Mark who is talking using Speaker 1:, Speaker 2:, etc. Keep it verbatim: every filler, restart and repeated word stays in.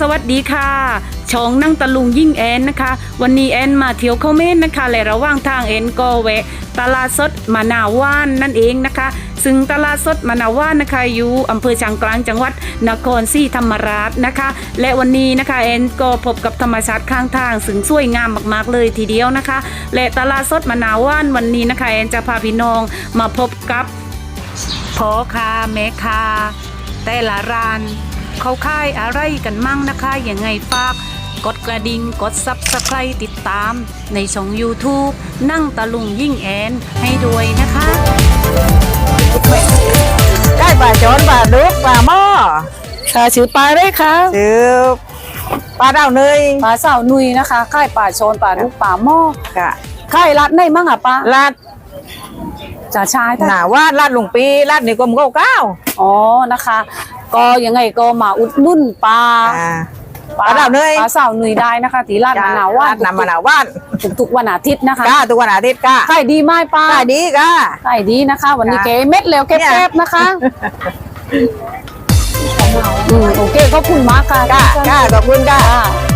Speaker 1: วัสดีค่ะช่องนั่งตะลุงยิ่งแอนนะคะวันนี้แอนมาเที่ยวเข้าเมนนะคะและระหว่างทางแอนก็แวะตลาดสดมะนาวว่านนั่นเองนะคะซึ่งตลาดสดมะนาวว่านนะคะอยู่อำเภอช้างกลางจังหวัดนครศรีธรรมราชนะคะและวันนี้นะคะแอนก็พบกับธรรมชาติข้างทางซึ่งสวยงามมากๆเลยทีเดียวนะคะและตลาดสดมะนาวว่านวันนี้นะคะแอนจะพาพี่น้องมาพบกับพ่อค้าแม่ค้าแต่ละร้านเขาค่ายอะไรกันมั่งนะคะยังไงฝากกดกระดิ่งกดซับสไครต์ติดตามในช่อง YouTube นั่งตะลุงยิ่งแอนให้ด้วยนะคะ
Speaker 2: ได้ปลาจอนปลาดุกปลาหม้อ
Speaker 1: ค่ะชื่อปลาได้ค่ะ
Speaker 2: ชื่อปลาดาวเนย
Speaker 1: ปลาสาวนุยนะคะค่ายปลาโชนปลาดุกปลาหม้อ
Speaker 2: ค่ะ
Speaker 1: ค่ายรัดได้มั่งอ่ะป้า
Speaker 2: ลาด
Speaker 1: จ่าชาย
Speaker 2: หนาว่าลาดหลวงปีลาดนี่กลมเก้าเก้า
Speaker 1: อ๋อนะคะก็ยังไงก็มาอุดหนุนปลา
Speaker 2: ปลาดาวเนย
Speaker 1: ปลาสาวนุยได้นะคะตีลาดมะนาวว่าน
Speaker 2: นำมะนาวว่าน
Speaker 1: ทุกๆวันอาทิตย์นะคะ
Speaker 2: ก้าทุกวันอาทิตย์ก้า
Speaker 1: ขายดีไหมป้า
Speaker 2: ขายดีก้า
Speaker 1: ขายดีนะคะวันนี้เก๋เม็ดแล้วแคบๆนะคะอืมโอเคขอบคุณมากค่ะ
Speaker 2: ก้าก้าขอบคุณก้า